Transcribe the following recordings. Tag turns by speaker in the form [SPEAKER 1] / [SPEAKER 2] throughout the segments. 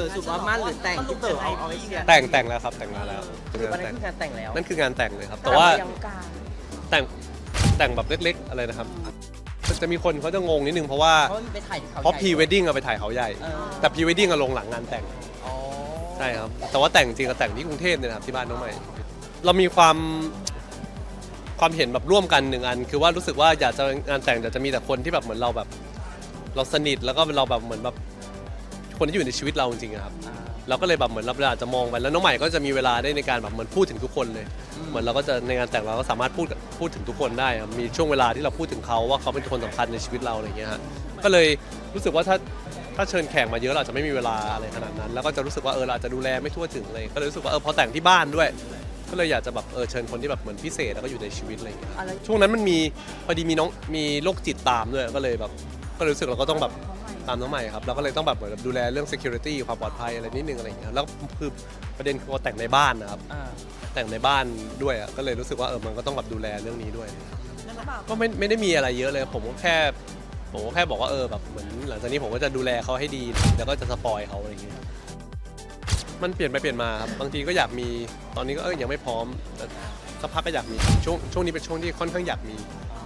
[SPEAKER 1] สุดว่ามั่นหรือแต่งที่เต๋อเอาไว้เชียร์
[SPEAKER 2] แต่งแล้วครับแต่งแล้ว
[SPEAKER 1] คือวันนั้นคืองานแต่งแล้ว
[SPEAKER 2] นั่นคืองานแต่งเลยครับแต่ว่า
[SPEAKER 3] ยังกลาง
[SPEAKER 2] แต่งแบบเล็กๆอะไรนะครับจะมีคนเขาจะงงนิดนึงเพราะว่า
[SPEAKER 1] เพราะมันไปถ่ายที่เขา
[SPEAKER 2] เพราะพรีเวดดิ้งเอาไปถ่ายเขาใหญ่ แต่พรีเวดดิ้งลงหลังงานแต่ง
[SPEAKER 1] อ๋อ
[SPEAKER 2] ใช่ครับแต่ว่าแต่งจริงก็แต่งที่กรุงเทพเนี่ยนะครับที่บ้านน้องใหม่เรามีความเห็นแบบร่วมกันหนึ่งอันคือว่ารู้สึกว่าอยากจะงานแต่งจะมีแต่คนที่แบบเหมือนเราแบบเราสนิทแล้วก็เราแบบเหมือนแบบคนที่อยู่ในชีวิตเราจริงๆครับเราก็เลยแบบเหมือนเราอาจจะมองไปแล้วน้องใหม่ก็จะมีเวลาได้ในการแบบเหมือนพูดถึงทุกคนเลยเหมือนเราก็จะในงานแต่งเราก็สามารถพูดถึงทุกคนได้ครับมีช่วงเวลาที่เราพูดถึงเขาว่าเขาเป็นคนสำคัญในชีวิตเราอะไรเงี้ยฮะก็เลยรู้สึกว่าถ้าเชิญแขกมาเยอะเราจะไม่มีเวลาอะไรขนาดนั้นแล้วก็จะรู้สึกว่าเราอาจจะดูแลไม่ทั่วถึงเลยก็เลยรู้สึกว่าพอแต่งที่บ้านด้วยก็เลยอยากจะแบบเชิญคนที่แบบเหมือนพิเศษแล้วก็อยู่ในชีวิตอะไรอย่างเงี้ยช่วงนั้นมันมีพอดีมีโรคจิตตามด้วยก็เลยแบบก็รู้สึกเราก็ต้องแบบตามน้องใหม่ครับเราก็เลยต้องแบบเหมือนดูแลเรื่อง security ความปลอดภัยอะไรนิดนึงอะไรอย่างเงี้ยแล้วคือประเด็นคือแต่งในบ้านนะครับแต่งในบ้านด้วยก็เลยรู้สึกว่ามันก็ต้องแบบดูแลเรื่องนี้ด้วยก็ไม่ได้มีอะไรเยอะเลยผมก็แค่บอกว่าแบบเหมือนหลังจากนี้ผมก็จะดูแลเขาให้ดีแล้วก็จะสปอยเขาอะไรอย่างเงี้ยมันเปลี่ยนไปเปลี่ยนมาครับบางทีก็อยากมีตอนนี้ก็ยังไม่พร้อมแต่สักพักก็อยากมีช่วงนี้เป็นช่วงที่ค่อนข้างอยากมี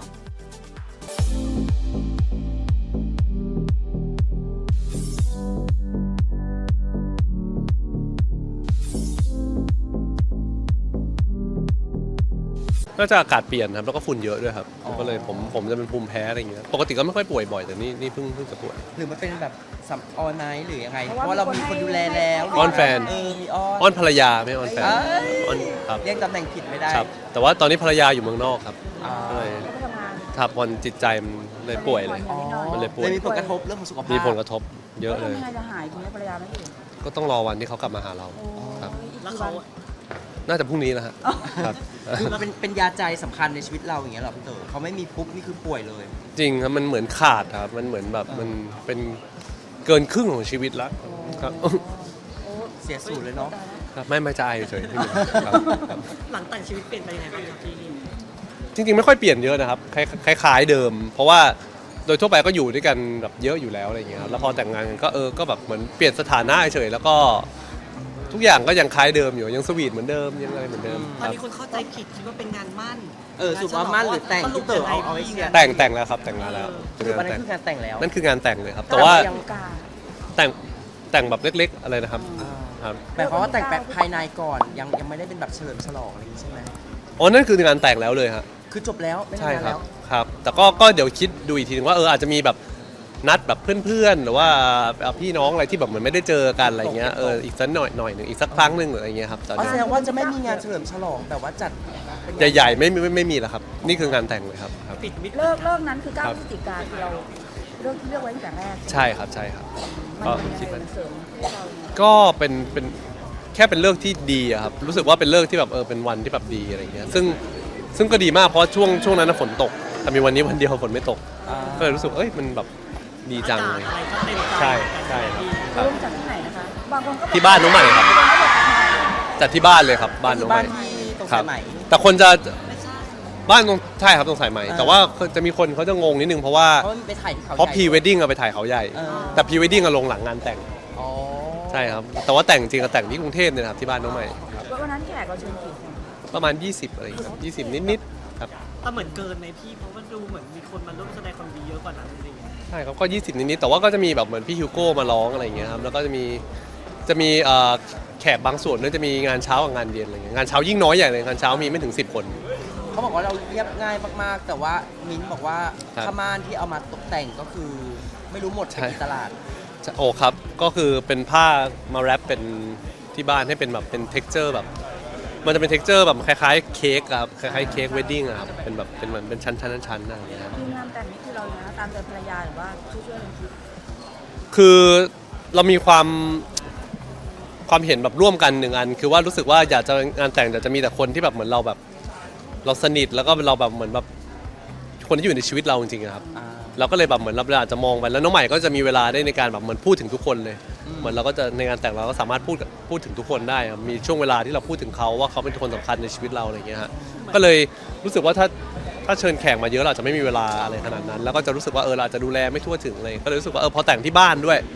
[SPEAKER 2] ก็จะอากาศเปลี่ยนครับแล้วก็ฝุ่นเยอะด้วยครับก็เลยผมจะเป็นภูมิแพ้อะไรอย่างเงี้ยปกติก็ไม่ค่อยป่วยบ่อยแต่นี่เพิ่งจะป่วย
[SPEAKER 1] หรือมันเป็นแบบสัมออนไนท์หรือยังไงเพราะว่าเรามีคนดูแลแล้ว
[SPEAKER 2] อ้อนแฟน
[SPEAKER 1] มี
[SPEAKER 2] อ้อนภรรยาไม่อ้อนแฟนอ้อนครับ
[SPEAKER 1] เรียกตำแหน่งผิดไม่ได้
[SPEAKER 2] ครับแต่ว่าตอนนี้ภรรยาอยู่เมืองนอกครับก็เลย
[SPEAKER 3] ไปทำงาน
[SPEAKER 2] ทับวันจิตใจมันเลยป่วยเลย มันเลยป่วย
[SPEAKER 1] มีผลกระทบเรื่องของสุขภาพ
[SPEAKER 2] มีผลกระทบเยอะเลย
[SPEAKER 3] ทำยังไงจะหายทีนี้ภรรยาไม่อยู่
[SPEAKER 2] ก็ต้องรอวันที่เขากลับมาหาเราครับ
[SPEAKER 3] แล้วเขา
[SPEAKER 2] น่าจะพรุ่งนี้แล้วฮะครับ
[SPEAKER 1] คือเป็นยาใจสำคัญในชีวิตเราอย่างเงี้ยหรอพี่เต๋อเขาไม่มีปุ๊บนี่คือป่วยเลย
[SPEAKER 2] จริงครับมันเหมือนขาดครับมันเหมือนแบบมันเป็นเกินครึ่งของชีวิตแล้วครับ
[SPEAKER 1] เสียสูตรเลยเนาะ
[SPEAKER 2] ครับไม่จะอายเฉยๆไม่มีครับครับ
[SPEAKER 4] หลังแต่งชีวิตเปลี่ยนไปยังไงบ้างครับพี่
[SPEAKER 2] จริงๆไม่ค่อยเปลี่ยนเยอะนะครับคล้ายๆเดิม เพราะว่าโดยทั่วไปก็อยู่ด้วยกันแบบเยอะอยู่แล้วอะไรอย่างเงี้ยครับแล้วพอแต่งงานกันก็ก็แบบเหมือนเปลี่ยนสถานะเฉยๆแล้วก็ทุกอย่างก็ยังคล้ายเดิมอยู่ยังสวีทเหมือนเดิมยังอะไรเหมือนเดิม
[SPEAKER 4] ต
[SPEAKER 2] ค
[SPEAKER 4] อน
[SPEAKER 2] รับ
[SPEAKER 4] นี้คนเข้าใจผิดคิดว่าเป็นงานมั่น
[SPEAKER 1] สุดว่ามั่นหรือแต่งที่เต๋อเอาไว้เชียร์
[SPEAKER 2] แต่งแล้วครับแต่งแล้ว
[SPEAKER 1] คือวันนั้นคืองานแต่งแล้ว
[SPEAKER 2] นั่นคืองานแต่งเลยครับแต่ว่า
[SPEAKER 3] ยังกลาง
[SPEAKER 2] แต่งแบบเล็กๆอะไรนะครับครับ
[SPEAKER 1] หมายความว่าแต่งแบบภายในก่อนยังไม่ได้เป็นแบบเฉลิมฉลองอะไรอย่างงี้ใช่ไหม
[SPEAKER 2] อ๋อนั่นคืองานแต่งแล้วเลยฮะ
[SPEAKER 1] คือจบแล้วไม่
[SPEAKER 2] ใช่
[SPEAKER 1] ทำงาน
[SPEAKER 2] ครั
[SPEAKER 1] แล้
[SPEAKER 2] บ
[SPEAKER 1] ว
[SPEAKER 2] ครับแต่ก็เดี๋ยวคิดดูอีกทีนึงว่าอาจจะมีแบบนัดแบบเพื่อนๆหรือว่าพี่น้องอะไรที่แบบเหมือนไม่ได้เจอกันอะไรเงี้ยอีกสักหน่อยหนึ่งอีกสักครั้งหนึ่งหรืออะไรเงี้ยครับตอน
[SPEAKER 1] อ๋อ
[SPEAKER 2] นี้
[SPEAKER 1] แสดงว่าจะไม่มีงานเฉลิมฉลองแบบว่าจัดเป็นงาน
[SPEAKER 2] ใหญ่ๆไม่มีแล้วครับนี่คืองานแต่งเลยครับครับ
[SPEAKER 4] ปิดมิด
[SPEAKER 3] เลิกนั้นคือ
[SPEAKER 2] ครับ
[SPEAKER 3] 9 พฤศจิกาคือเราเลือกไว้ตั้งแต่แรก
[SPEAKER 2] ใช่ครับก็
[SPEAKER 3] มัน
[SPEAKER 2] คิด
[SPEAKER 3] เป็
[SPEAKER 2] ว่าน
[SPEAKER 3] เสริมให้เรา
[SPEAKER 2] ก็เป็นแค่เป็นเลิกที่ดีอะครับรู้สึกว่าเป็นเลิกที่แบบเป็นวันที่แบบดีอะไรเงี้ยซึ่งก็ดีมากเพราะช่วงนั้นนะฝนตกแต่มีวันนี้วันเดียวฝนไม่ตกก็เลยรู้สึกมันแบบดีจังเลย
[SPEAKER 4] อะไรก็เต็มใจ
[SPEAKER 2] ใช่ครับ
[SPEAKER 3] ร่วมจากที่ไหนนะคะบางคนก็
[SPEAKER 2] ที่บ้านน้องใหม่ครับจัดที่บ้านเลยครับบ้านน้องให
[SPEAKER 1] บ้า
[SPEAKER 2] ม่
[SPEAKER 1] นที่ตรง
[SPEAKER 2] ครั
[SPEAKER 1] สายไหม
[SPEAKER 2] แต่คนจะบ้านตรงใช่ครับตรงสายไหมแต่ว่าจะมีคนเขาจะงงนิดนึงเพราะว่า
[SPEAKER 1] เพราะมันไปถ่ายที่เขา
[SPEAKER 2] เพราะพรีเวดดิ้งเอาไปถ่ายเขาใหญ่ แต่พรีเวดดิ้งลงหลังงานแต่ง
[SPEAKER 1] อ๋อ
[SPEAKER 2] ใช่ครับแต่ว่าแต่งจริงก็แต่งที่กรุงเทพเนี่ยนะครับที่บ้านน้องใหม่ครับ
[SPEAKER 3] วันนั้นแขกเราเชิญกี่คน
[SPEAKER 2] ประมาณ 20อะไรอย่างเงี้ยครับ20 นิดๆครับ
[SPEAKER 4] แต่เหมือนเกินไหมพี่เพราะว่าดูเหมือนมีคนมาร่วมแสดงความดีเยอะกว่านั้นอะไรอย่างเงี้ย
[SPEAKER 2] ใช่ครับก็20 นิดๆแต่ว่าก็จะมีแบบเหมือนพี่ฮิวโก้มาร้องอะไรอย่างเงี้ยครับแล้วก็จะมีแขกบางส่วนด้วยจะมีงานเช้ากับงานเย็นอะไรเงี้ยงานเช้ายิ่งน้อยใหญ่เลยงานเช้ามีไม่ถึง10 คน
[SPEAKER 1] เขาบอกว่าเราเรียบง่ายมากๆ แต่ว่ามิ้นท์บอกว่า
[SPEAKER 2] ครับ
[SPEAKER 1] ผ้าม่านที่เอามาตกแต่งก็คือไม่รู้หมด
[SPEAKER 2] ใช่
[SPEAKER 1] ไปกี่ตลาด
[SPEAKER 2] โอ้ครับก็คือเป็นผ้ามาแรปเป็นที่บ้านให้เป็นแบบเป็น texture แบบมันจะเป็น texture แบบคล้ายๆเค้กครับคล้ายๆเค้กเวดดิ้งอะครับเป็นแบบเป็นเหมือนเป็นชั้นอะไรอย่างเงี้ยครับ
[SPEAKER 3] ทีมงานแต่งนี่คือเรานะตามใจภรรยาหรือว่าช่วยกันคิด
[SPEAKER 2] คือเรามีความเห็นแบบร่วมกันหนึ่งอันคือว่ารู้สึกว่าอยากจะงานแต่งจะมีแต่คนที่แบบเหมือนเราแบบเราสนิทแล้วก็เราแบบเหมือนแบบคนที่อยู่ในชีวิตเราจริงๆครับเราก็เลยแบบเหมือนเราอาจจะมองไปแล้วน้องใหม่ก็จะมีเวลาได้ในการแบบเหมือนพูดถึงทุกคนเลยเหมือนเราก็จะในงานแต่งเราก็สามารถพูดถึงทุกคนได้ครับมีช่วงเวลาที่เราพูดถึงเขาว่าเขาเป็นคนสำคัญในชีวิตเราอะไรอย่างเงี้ยฮะก็เลยรู้สึกว่าถ้าเชิญแขกมาเยอะเราอาจจะไม่มีเวลาอะไรขนาดนั้นแล้วก็จะรู้สึกว่าเราอาจจะดูแลไม่ทั่วถึงเลยก็เลยรู้สึกว่าพอแต่งที่บ้านด้วย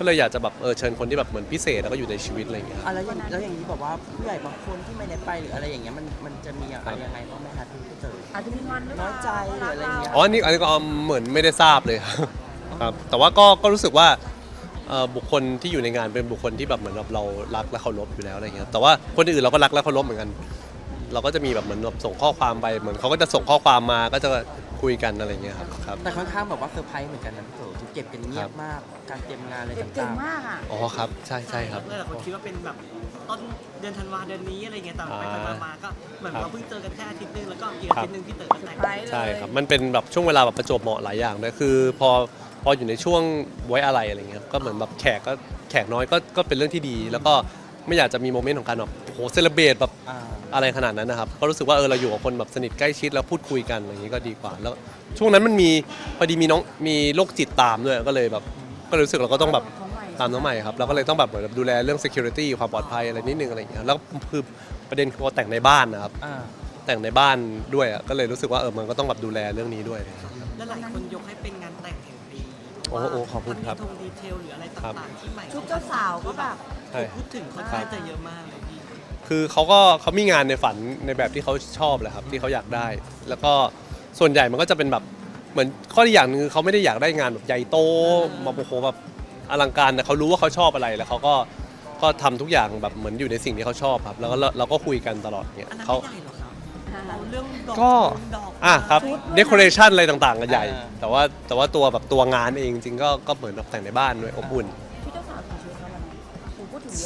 [SPEAKER 2] ก็เลยอยากจะแบบเชิญคนที่แบบเหมือนพิเศษแล้วก็อยู่ในชีวิตอะไรอย่างเงี้ยครับ
[SPEAKER 1] แล้วอย่างนี้แบบว่าผู้ใหญ่บางคนที่ไม่ได้ไปหรืออะไรอย่างเงี้ยมันจะมีอะไรยังไงบ้างไหมคะที่พี่เต๋อ
[SPEAKER 3] อาจจะมีงอนหรือเป
[SPEAKER 1] น้
[SPEAKER 3] ล่า
[SPEAKER 1] อยใจหรืออะไรเงี้ย
[SPEAKER 2] อ๋ออันนี้ก็เหมือนไม่ได้ทราบเลยครับแต่ว่าก็รู้สึกว่าบุคคลที่อยู่ในงานเป็นบุคคลที่แบบเหมือนเรารักและเคารพอยู่แล้วอะไรเงี้ยแต่ว่าคนอื่นเราก็รักและเคารพเหมือนกัน เราก็จะมีแบบเหมือนแบบส่งข้อความไปเหมือนเขาก็จะส่งข้อความมาก็จะคุยกันอะไรเงี้ยครับ
[SPEAKER 1] แต่ค่อนข้างแบบว่าเซอร์ไพรส์เหมือนกันนะพี่เต๋อทุกเก็บกันเงียบมากการเตรียมงานอะไร
[SPEAKER 3] เก่
[SPEAKER 1] ต่าง ง
[SPEAKER 3] มากอ่ะ
[SPEAKER 2] อ๋อครับใช่ครับ
[SPEAKER 4] หลายคนคิดว่าเป็นแบบต้นเดือนธันวาเดือนนี้อะไรเงี้ยแต่ไปมาก็เหมือนเราเพิ่งเจอกันแค่อาทิตย์นึงแล้วก็อีกอาทิตย์นึงพี่เต๋อก็แต่ง
[SPEAKER 3] ไปเลย
[SPEAKER 2] ใช่ครับมันเป็นแบบช่วงเวลาแบบประจวบเหมาะหลายอย่างด้วยคือพออยู่ในช่วงไว้อะไรอะไรเงี้ยก็เหมือนแบบแขกน้อยก็เป็นเรื่องที่ดี แล้วก็ไม่อยากจะมีโมเมนต์ของการแบบโอ้โหเซเลบรตแบบ
[SPEAKER 1] ๆ
[SPEAKER 2] อะไรขนาดนั้นนะครับก็รู้สึกว่าเราอยู่กับคนแบบสนิทใกล้ชิดแล้วพูดคุยกันอะไรอย่างนี้ก็ดีกว่าแล้วช่วงนั้นมันมีพอดีมีโรคจิตตามด้วยก็เลยแบบก็เลยรู้สึกเราก็ต้องแบบตามน้องใหม่ครับเราก็เลยต้องแบบเหมือนดูแลเรื่อง security ความปลอดภัยอะไรนิดนึงอะไรอย่างเงี้ยแล้วคือประเด็นคือว่าแต่งในบ้านนะครับแต่งในบ้านด้วยอ่ะก็เลยรู้สึกว่ามันก็ต้องแบบดูแลเรื่องนี้ด้วย
[SPEAKER 4] แล้วหลายคนยกให้เป็นงานแต่งแห่งปี
[SPEAKER 2] โอ้โหขอบคุณครับ
[SPEAKER 4] มันมีธงดีเทลหรืออะไรต่างๆที่ใหม่
[SPEAKER 3] ชุดเจ้าสาวก็แบบ
[SPEAKER 2] ใช่
[SPEAKER 4] พูดถึงค่อนข้างจะเยอะมากเลยพี่
[SPEAKER 2] คือเขามีงานในฝันในแบบที่เขาชอบแหละครับที่เขาอยากได้ แล้วก็ส่วนใหญ่มันก็จะเป็นแบบเหมือนข้อที่อย่างหนึงคือเขาไม่ได้อยากได้งานแบบใหญ่โตมาโอ้โหแบบอลังการแต่เขารู้ว่าเขาชอบอะไรแล้วเขาก็ทำทุกอย่างแบบเหมือนอยู่ในสิ่งที่เขาชอบครับแล้วก็เราก็คุยกันตลอดเนี่ย
[SPEAKER 4] อันนั้น
[SPEAKER 2] เขา
[SPEAKER 4] ไม่ใหญ่หรอครับเอาเรื่องดอก
[SPEAKER 2] ก็
[SPEAKER 4] ดอก
[SPEAKER 2] ครับเดคอเรชันอะไรต่างๆกันใหญ่
[SPEAKER 1] อ่า
[SPEAKER 2] แต่ว่าตัวแบบตัวงานเองจริงๆก็เหมือนแบบแต่งในบ้านด้วยอบอุ่น
[SPEAKER 3] ชุดเจ้าสาวกี่ชุดคะวันนั้นผมพูดถึงเยอะ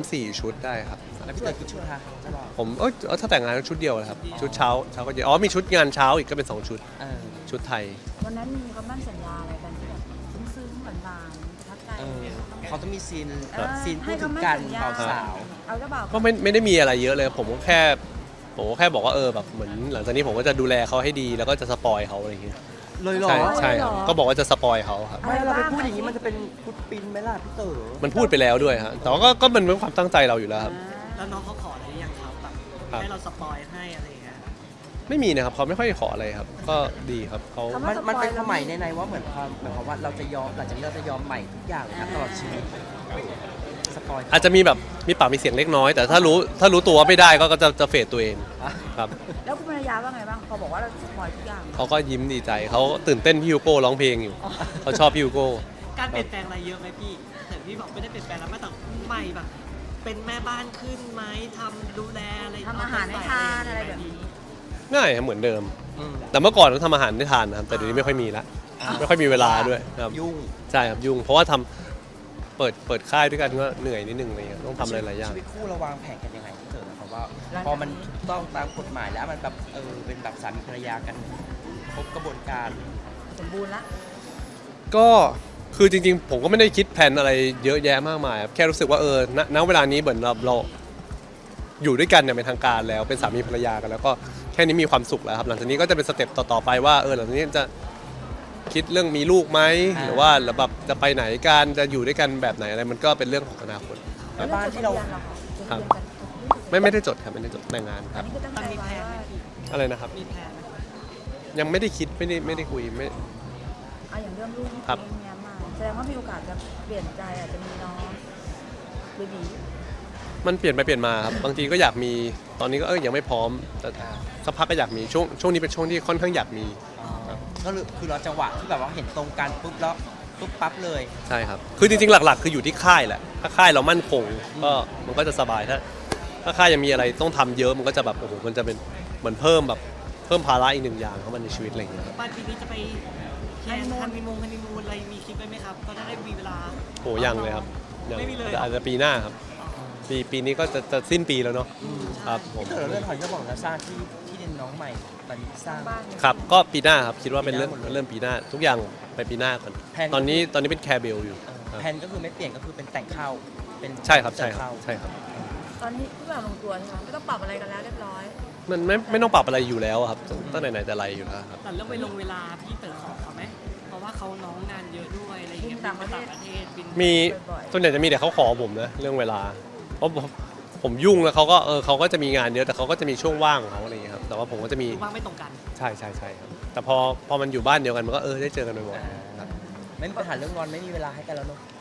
[SPEAKER 2] 3-4 ชุดได้ครับ
[SPEAKER 1] แล้วพี่เต๋อกี่ชุดคะเจ้าบ่าว
[SPEAKER 2] ผมถ้าแต่งงานก็ชุดเดียวเลยครับชุดเช้าก็เย็นมีชุดงานเช้าอีกก็เป็น2ชุด
[SPEAKER 1] เออ
[SPEAKER 2] ชุดไทย
[SPEAKER 3] วันนั้นมีคำมั่นสัญญาอะไรกันที่แบบซึ้งๆหวานๆประทับใจ
[SPEAKER 1] เออเขาต้องมีซีน
[SPEAKER 3] เออ
[SPEAKER 1] ซีนพู
[SPEAKER 3] ให้
[SPEAKER 1] ดถึง
[SPEAKER 3] คำมั่น
[SPEAKER 1] กัน
[SPEAKER 3] สัญญา
[SPEAKER 1] เบาสาว
[SPEAKER 3] เอาเจ้าบ่าว
[SPEAKER 2] ก็ไม่ได้มีอะไรเยอะเลยผมก็แค่บอกว่าแบบเหมือนหลังจากนี้ผมก็จะดูแลเขาให้ดีแล้วก็จะสปอยเขาอะไรอย่างเงี้ย
[SPEAKER 1] เลยเหรอ
[SPEAKER 2] ใช่ครับก็บอกว่าจะสปอยเขาครับ
[SPEAKER 1] ไม่เราไปพูดอย่างนี้มันจะเป็นพุดปินไหมล่ะพี่เต๋อ
[SPEAKER 2] มันพูดไปแล้วด้วยฮะแต่ว่าก็มันเป็นความตั้งใจเราอยู่แล้วครับ
[SPEAKER 4] แล้วน้องเขาขออะไรหรือยังครับแบบ
[SPEAKER 2] ครับ
[SPEAKER 4] ให้เราสปอยให้อะไรอย่างเงี้ย
[SPEAKER 2] ไม่มีนะครับเขาไม่ค่อยขออะไรครับ ก็ดีครับเขา
[SPEAKER 1] มันเป็นความหมายในว่าเหมือนความว่าเราจะยอมหลังจากนี้เราจะยอมใหม่ทุกอย่างนะตลอดชีวิตสปอย
[SPEAKER 2] อาจจะมีแบบมีปากมีเสียงเล็กน้อย แต่ถ้ารู้ตัวว่าไม่ได้ก็จะเฟดตัวเองครับ
[SPEAKER 3] แล้วคุณภรรยาว่าไงบ้างพอบอกว่าเราสปอยทุกอย่าง
[SPEAKER 2] เขาก็ยิ้มดีใจเขาตื่นเต้นพี่ฮิวโก้ร้องเพลงอยู่เขาชอบพี่ฮิวโก้
[SPEAKER 4] การเปลี่ยนแปลงอะไรเยอะไหมพี่แต่พี่บอกไม่ได้เปลี่ยนแปลงแล้วไม่แต่ใหม่แบบ เป็นแม่บ้านขึ้นไหมทำดูแลอะไร
[SPEAKER 3] ทำอาหารให้ทานอะไรแบบนี้
[SPEAKER 2] ง่ายครับเหมือนเดิม
[SPEAKER 1] อืม
[SPEAKER 2] แต่เมื่อก่อนเราทำอาหารได้ทานนะครับแต่เดี๋ยวนี้ไม่ค่อยมีละไม่ค่อยมีเวลาด้วยครับ
[SPEAKER 1] ยุ่ง
[SPEAKER 2] ใช่ครับยุ่งเพราะว่าเปิดค่ายด้วยกันก็เหนื่อยนิดนึงอะไรเงี้ยต้องทำอะไรหลายอย่าง
[SPEAKER 1] ชีวิตคู่เราวางแผนกันยังไงพี่เต๋อนะครับว่าพอมันถูกต้องตามกฎหมายแล้วมันแบบเป็นแบบสามีภรรยากันครบกระบวนการ
[SPEAKER 3] สมบูรณ์ละ
[SPEAKER 2] ก็คือจริงๆ ผมก็ไม่ได้คิดแผนอะไรเยอะแยะมากมายครับแค่รู้สึกว่าณเวลานี้เหมือนเราอยู่ด้วยกันเนี่ยเป็นทางการแล้วเป็นสามีภรรยากันแล้วก็แค่นี้มีความสุขแล้วครับหลังจากนี้ก็จะเป็นสเต็ปต่อๆไปว่าหลังจากนี้จะคิดเรื่องมีลูกไหมหรือว่าแบบจะไปไหนกันจะอยู่ด้วยกันแบบไหนอะไรมันก็เป็นเรื่องของอนาคต
[SPEAKER 1] แล้วบ้านที่เรา
[SPEAKER 2] ครับ ไม่ได้จดครับไม่ได้จดแต่งงานค
[SPEAKER 3] อั
[SPEAKER 2] รั
[SPEAKER 3] น
[SPEAKER 2] บ
[SPEAKER 3] นี้คือตั้ง
[SPEAKER 4] มัน
[SPEAKER 3] ใจ
[SPEAKER 4] มีแพ
[SPEAKER 3] ไว้
[SPEAKER 4] ลนไหม
[SPEAKER 3] ว่า
[SPEAKER 4] พี่
[SPEAKER 2] อะไรนะครับ
[SPEAKER 4] มีแพลนไหม
[SPEAKER 2] ยังไม่ได้คิดไม่ได้คุยไม่
[SPEAKER 3] เอาอย่างเรื่องลูกที่
[SPEAKER 2] ครับ
[SPEAKER 3] เลี้ยงมาแสดงว่ามีโอกาสจะเปลี่ยนใจอาจจะมีน้องเบบี
[SPEAKER 2] มันเปลี่ยนไปเปลี่ยนมาครับบางทีก็อยากมีตอนนี้ก็ยังไม่พร้อมแต่สักพักก็อยากมีช่วงนี้เป็นช่วงที่ค่อนข้างอยากมี
[SPEAKER 1] ก็คือเราจังหวะที่แบบว่าเห็นตรงกันปุ๊บแล้วปุ๊บปั๊บเลย
[SPEAKER 2] ใช่ครับ คือจริงๆ หลักๆ คืออยู่ที่ค่ายแหละ ถ้าค่ายเรามั่นคงก็มันก็จะสบาย ถ้าค่ายยังมีอะไรต้องทำเยอะ มันก็จะแบบโอ้โห มันจะเป็นเหมือนเพิ่มภาระอีกหนึ่งอย่างเข้ามาในชีวิตอะไรอย่างเงี้ยครับ
[SPEAKER 4] บ้านปีนี้จะไปแพลนฮันนีมูนอะไรมีคิดไว้ไหมครับก็จะได้มีเวลา
[SPEAKER 2] โหยังเลยครับยัง
[SPEAKER 4] ไม่มีเลย
[SPEAKER 2] อาจจะปีหน้าครับ ปีนี้ก็จะสิ้นปีแล้วเนาะ ครับผม
[SPEAKER 1] พี่เต๋อเรื่องถอยก็บอกแล้วสร้างที่ดินน้องใหม่ตอนนี้สร้าง
[SPEAKER 3] บ้าน
[SPEAKER 2] ครับ ก็ปีหน้าครับ คิดว่าเป็นเรื่อง
[SPEAKER 1] ปีหน้าหมดเลย
[SPEAKER 2] เริ่มปีหน้า ทุกอย่างไปปีหน้าก่อน
[SPEAKER 1] แผน
[SPEAKER 2] ตอนนี้เป็นแคร์เบลอยู่ครับ
[SPEAKER 1] แผนก็คือไม่เปลี่ยนก็คือเป็นแต่งเข้าเป็น
[SPEAKER 2] ใช่ครับ
[SPEAKER 1] เส
[SPEAKER 2] ใช่
[SPEAKER 1] ม
[SPEAKER 2] ครับ
[SPEAKER 1] เข้า
[SPEAKER 2] ใช่ครับ
[SPEAKER 3] ตอนนี้ทุกอย่างลงตัวใช่ไหมไม่ต้องปรับอะไรกันแล้วเรียบร้อย
[SPEAKER 2] มันไม่ต้องปรับอะไรอยู่แล้วครับตั้งแต่ไหนแต่ไรอยู่แล้วครับ
[SPEAKER 4] แต่เรื่องไปลงเวลาพี่เต๋อขอเขาไหมเพราะว่าเขาน้องงานเยอะด้วยอะไรอย่างเงี้ย
[SPEAKER 3] บินต่างประเทศ
[SPEAKER 4] บินไปต่างประเทศบิน
[SPEAKER 2] มี
[SPEAKER 3] บ่อยๆ
[SPEAKER 2] ส่วนใหญ่จะมีแต่เขาขอผมนะเรื่องเวลาเพราะผมยุ่งแล้วเขาก็จะมีงานเยอะแต่เขาก็จะมีช่วงว่างของเขาอะไรอย่างเงี้ยครับแต่ว่าผมก็จะมี
[SPEAKER 4] คือว่างไม่ตรงกัน
[SPEAKER 2] ใช่ครับแต่พอมันอยู่บ้านเดียวกันมันก็ได้เจอกันบ่อยๆครับ
[SPEAKER 1] ไม่มีปัญหาเรื่องงอนไม่มีเวลาให้กันแล้วเนอะ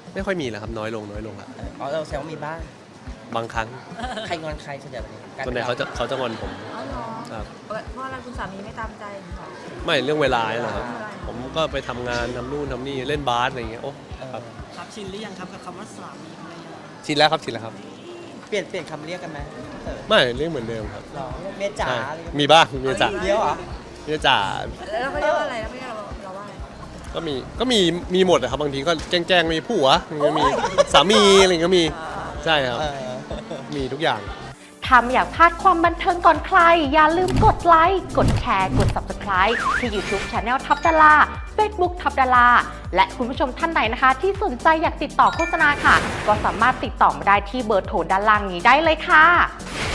[SPEAKER 2] ไม่ค่อยมีแล้วครับน้อยลงละ
[SPEAKER 1] อ๋อเราแซวามีบ้าง
[SPEAKER 2] บางครั้ง
[SPEAKER 1] ใครงอนใครส่วนใหญ่แบบนี้กลย
[SPEAKER 2] ส่วนใหญ่
[SPEAKER 1] ป็
[SPEAKER 2] เขาจะงอนผม
[SPEAKER 3] อ๋อเหรอ
[SPEAKER 2] ครับ
[SPEAKER 3] เพราะอะไรคุณสามีไม่ตามใจเหรอ
[SPEAKER 2] ไม่เรื่องเวลาเนี่ยนะครับ
[SPEAKER 3] เวลา
[SPEAKER 2] ผมก็ไปทำงานทำนู่นทำนี่เล่นบาสอะไรอย่างเงี้ยโอ้
[SPEAKER 1] เออ
[SPEAKER 2] ครับ
[SPEAKER 4] ครับชินหรือยังครับกับคำว่าสามีภรรยา
[SPEAKER 2] ชินแล้วครับชินแล้วครับ
[SPEAKER 1] เปลี่ยนคำเรียกกันไหมพี่เต๋อ
[SPEAKER 2] ไม่เรื่องเหมือนเดิมครับ
[SPEAKER 1] หรอเมียจ๋า
[SPEAKER 2] ใช่
[SPEAKER 1] อะไรอย่าง
[SPEAKER 2] มี
[SPEAKER 1] เงี้ย
[SPEAKER 2] บ้างมีเมียจ๋า
[SPEAKER 1] เดี๋ยวเหรอ
[SPEAKER 2] เมียจ๋า
[SPEAKER 3] แล้วเราก็เรียกว่าอะไรแล้วไม่เรียกเราว่าอะไร
[SPEAKER 2] ก็มีหมดนะครับบางทีก็แกล้งมีผัวก็มีสามีอะไรอย่างเงี้ยก็มีใช่ครับ
[SPEAKER 1] เออ
[SPEAKER 2] มีทุกอย่าง
[SPEAKER 5] ถ้าไม่อยากพลาดความบันเทิงก่อนใคร อย่าลืมกดไลค์ กดแชร์ กด Subscribe ที่ YouTube Channel ทับดารา Facebook ทับดาราและคุณผู้ชมท่านไหนนะคะ ที่สนใจอยากติดต่อโฆษณาค่ะ ก็สามารถติดต่อมาได้ที่เบอร์โทรด้านล่างนี้ได้เลยค่ะ